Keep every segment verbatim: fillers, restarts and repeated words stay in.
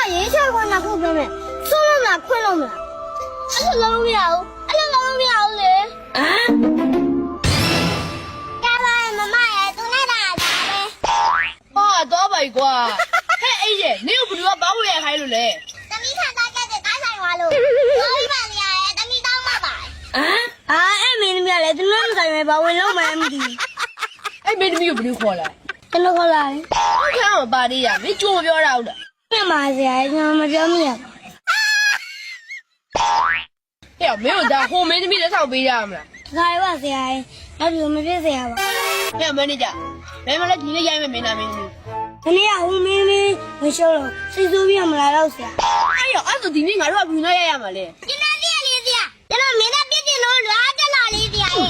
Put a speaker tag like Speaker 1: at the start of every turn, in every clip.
Speaker 1: ရေးချခွင့်နာခုပြောမယ်ဆုံးလို့မလားခွင့်လို့မလားအဲ့လိုလုံးမရဘူးအဲ့လိုလုံးမရဘူးလေဟမ်ကဲပါမမရဲ့သူနဲ့တာတာပဲဟာတော့ပါ E ကွာဟဲ့အေးရဲ့နင်ကဘယ်သူကဘာလို့ရခိုင်းလို့လဲသမီးခံသားကြတဲ့ကားဆိုင်သွားလို့ပြောပြပါလေရဲ့သမီးတောင်းပါပါဟမ်အာအဲ့မင်းသမီးကလည်းသူနဲ့မဆိုင်ပဲဘာဝင်လုံးမှမသိအဲ့မင်းသမီးကိုဘယ်လိုခေါ်လဲကျွန်တော်ခေါ်လာတယ်ဟုတ်ကဲ့ပါသေးရမင်းကြိုးမပြောတာဟုတ်လားပြန်ပါစရာကျွန်တော်မပြောမိရဘူးဟဲ့မင်းတို့ဒါဟိုမင်းသမီးလက်ဆောင်ပေးရမလားဒါရပါဆရာကြီးနောက်ဒီမဖြစ်ဆရာပါဟဲ့မန်နေဂျာဘယ်မှာလဲဒီနေ့ရိုက်မယ်မင်းသားမင်းသမီးဒီနေ့ကဟိုမင်းသမီးမရှောလို့စိတ်ဆိုးပြမလာတော့ဆရာအဲ့ရောအဲ့ဆိုဒီနေ့ငါတို့ကဘယ်နဲ့ရိုက်ရမှာလဲကျွန်တော်ပြည့်လေးဆရာကျွန်တော်မင်းသားပြည့်တင်လို့လာတက်လာလေးဆရာရဲ့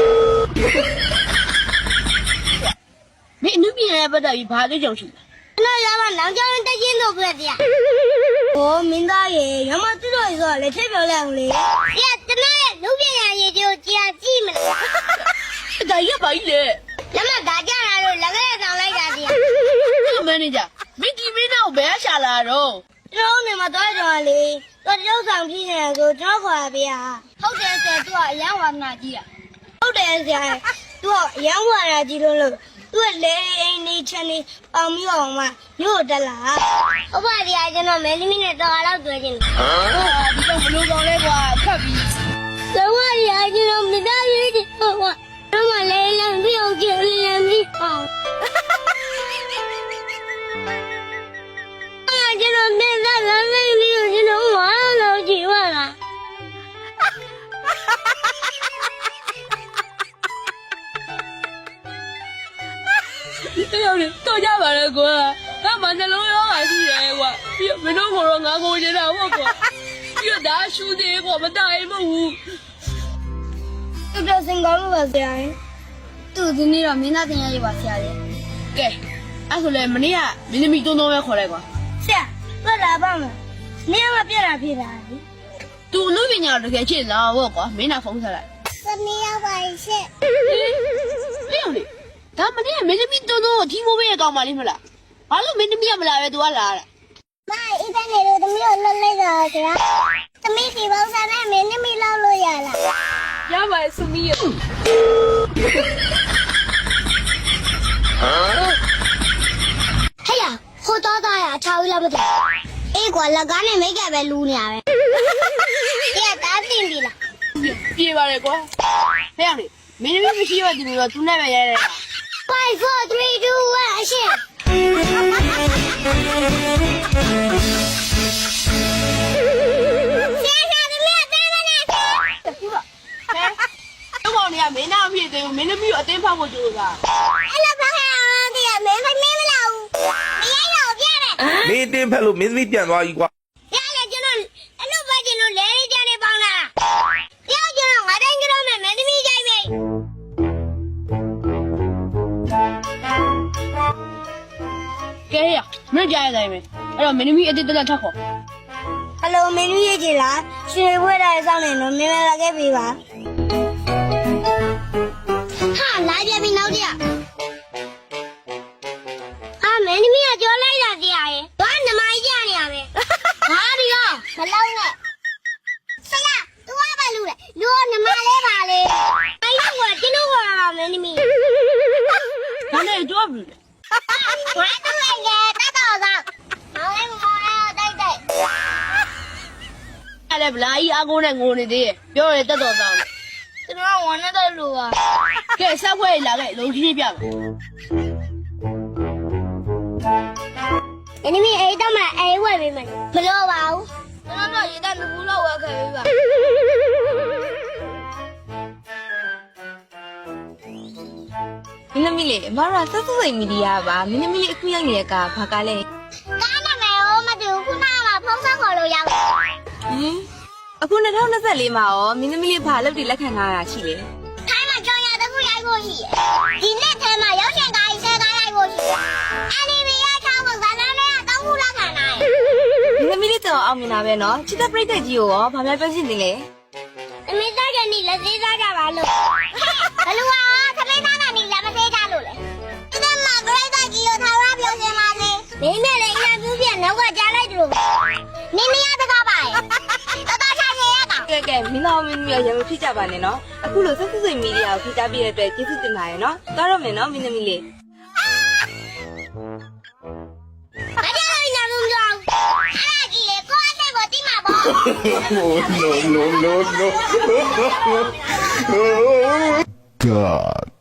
Speaker 1: မင်းအနုပညာရဲ့ပတ်သက်ပြီးဘာသိကြုံရှိလဲကျွန်တော်ရမလောင်ကျောင်းတက်ရင်လို့ပြဆရာဟိုမင်းသားရေရမတူတော်ဆိုတော့လက်ထက်ပြောလိုက်အောင်လေဆရာကျွန်တော်ရဲ့လူပညာရေးကိုကြာကြည့်မလားဒါရပါ E လေလမဒါကြလာလို့လက်ကလေးဆောင်လိုက်တာဆရာမန်နေဂျာမင်းဒီမင်းတော့ဘယ်ရှာလာတော့ကျွန်တော်နေမှာတော့ကြော်လေတော့တရုပ်ဆောင်ဖြစ်နေကိုကျွန်တော်ခေါ်ရပေးရဟုတ်တယ်ဆရာသူကအရန်ဝါနာကြီးอ่ะဟုတ်တယ်ဆရာသူကအရန်ဝါနာကြီးလို့လို့သူကလေအိမ်နေချင်နေအောင်ပြီးအောင်မှမြို့တက်လာဟုတ်ပါဗျာကျွန်တော်မဲသမီးနဲ့တော်တော့တွေ့ချင်းဟာဒီတော့ဘလို့ကောင်းလဲကွာခတ်ပြီးတော့ရကျွန်တော်မသားရေးချင်ဟောတော့မလဲလမ်းပြီးအောင်ကြည့်လမ်းပြီးအောင်အာကျွန်တော်မင်းသားလမ်းပြီးကျွန်တော်ဝါလို့ကြည့်ပါလားတော်တော်ကြပါလေကွာငါမှနှလုံးရောဂါရှိတယ်ကွာပြီးမင်းတို့ကတော့ငါကိုနေတာဟုတ်ကွာပြီးတော့ဒါရှူသေးကွာမတိုင်မဟုတ်ဘူးသူတို့စင်ကောင်းလို့ပါဆရာသူဒီနေ့တော့မင်းသားတင်ရရပါဆရာရဲ့ကဲအဲ့ဆိုလေမနေ့ကမင်းသမီးတုံးတုံးပဲခေါ်လိုက်ကွာဆရာတွက်လာပါမယ်မင်းကပြက်တာဖြစ်တာလေသူအမှုပညာတကယ်ချစ်လားဟုတ်ကွာမင်းနာဖုန်းဆက်လိုက်သမီးရောက်ပါရှင့်လျှောက်လေဒါမနေ့ကမင်းသမီးတုံးတုံးကိုထီမိုးပေးရကောင်းပါလိမ့်မလားဘာလို့မင်းသမီးကမလာပဲသူကလာတာမအေးတဲ့နေလို့သမီးကိုလွတ်လိုက်တာဆရာသမီးဒီဘောစားနဲ့မင်းသမီးလောက်လို့ရလားရပါရဲ့စုမီးရဟမ်ဟဲ့ရဟိုတော့တာရအချောင်းလာမသိအေးကွာလက်ကားနဲ့မိတ်ကပဲလူနေရပဲအေးတားတင်ပြီလားပြေးပါလေကွာဟဲ့ရလေမင်းသမီးမရှိရတဲ့လူတော့သူနဲ့ပဲရဲတယ်five four three two one အရှင်းမင်းနာဖြစ်တယ်မင်းသမီးကိုအတင်းဖောက်ဖို့ကြိုးစားအဲ့လိုဖောက်ရအောင်တည်းမင်းဖိုင်မင်းမလာဘူးမရိုက်တော့ပြတယ်
Speaker 2: မင်းတင်းဖက်လို့မင်းသမီးပြန်သွားပြီကွာ
Speaker 1: ရလေကျွန်တော်အဲ့လိုပဲကျွန်တော်လဲလေးကြနေပေါင်းလာပြောကျွန်တော်ငါတိုင်းကြတော့မယ်မင်းသမီးကြိုက်ပြီကဲရမင်းကြားရတိုင်းပဲအဲ့တော့မင်းသမီးအတင်းတက်တက်ထပ်ခေါ်ဟယ်လိုမင်းသမီးရေးကြလားရှင်ဝဲတာစောင်းနေတော့မင်းမလာခဲ့ပြီပါဟာလာပြပြီနောက်ကြအာမင်းသမီးကကြောလိုက်တာတရားရဲ့ဘာနမကြီးကြနေရပဲဟာဒီကမလောက်နဲ့ဆရာသူကဘာလို့လဲလူနမလေးပါလေအဲ့ဒီကကျွန်တော်ကမင်းသမီးဘာလဲတော့ဘူးဘာတော့လဲတတ်တော်ဆောင်မောင်လေးမောင်လေးတိုက်တိုက်အဲ့လေဗလာကြီးအကုန်းနဲ့ငိုနေသေးရဲ့ပြောရတတ်တော်ဆောင်ကျွန်တော်ကဝန်နဲ့တော့လို့ပါကဲဆက်ခွဲလာခဲ့လုံကြီးပြမယ်အင်းမီအဲ့တော့မှအဲ့ဝဲပေးမယ်မလို့ပါဘူးကျွန်တော်တော့ရေတက်လူဘူးလောက်ဝဲခဲ့ပေးပါ
Speaker 3: မင်းသမီးလေးအမရဆက်ဆက်စိတ်မီဒီယာပါမင်းသမီးလေးအခုရောက်နေတဲ့ကဘာကားလဲ
Speaker 1: ကားနာမည်ရောမတူခုနကဖုန်းဆက်ခေါ်လို့ရောက်ဟင်
Speaker 3: အခု၂၀၂၄မှာရောမင်းသမီးလေးဘာလုပ်တည်လက်ခံထားတာရှိလဲ
Speaker 1: ထိုင်းမှာကြောင်ရတခုရိုက်ဖို့ရှိတယ်ဒီနေ့ထဲမှာရောက်ချင်ကားကြီးဆဲကားရိုက်ဖို့ရှိတယ်အန်နီမီရဲ့ချောင်းကဇာလန်နဲ့တောင်းခုလက်ခံနိုင်
Speaker 3: မင်းသမီးလေးတော့အောင်မြင်တာပဲနော်ချစ်တဲ့ပြိတ္တကြီးကိုရောဘာများပြောချင်သေးလဲ
Speaker 1: အမေသားကနီလက်သေးသားကြပါလို့ဘလူဟာသမင်းသားကနီလက်မသေးကြလို့လေဒီမှာပြိတ္တကြီးကိုထားရပြောချင်ပါစေမင်းနဲ့လည်းအရင်ပြည့်ပြည့်နောက်ကကြားလိုက်လို့နင်းမရတကားပါရဲ့တော်တော်ချာချင်ရကောင်
Speaker 3: ကဲကဲမင်းသားမင်းသမီးရောရံမဖြစ်ကြပါနဲ့နော်အခုလိုဆက်စစ်စိတ်မီဒီယာကိုဖိတားပြတဲ့အတွက်ကျေးဇူးတင်ပါတယ်နော်သွားတော့မယ်နော်မင်းသမီးလေး
Speaker 1: ဘာကြောင့်လဲနာမည်ကြောင့်အဲ့ဒါကြီးလေကိုယ့်အသက်ကိုတိမှာပေါ့
Speaker 2: no no no no no
Speaker 4: God.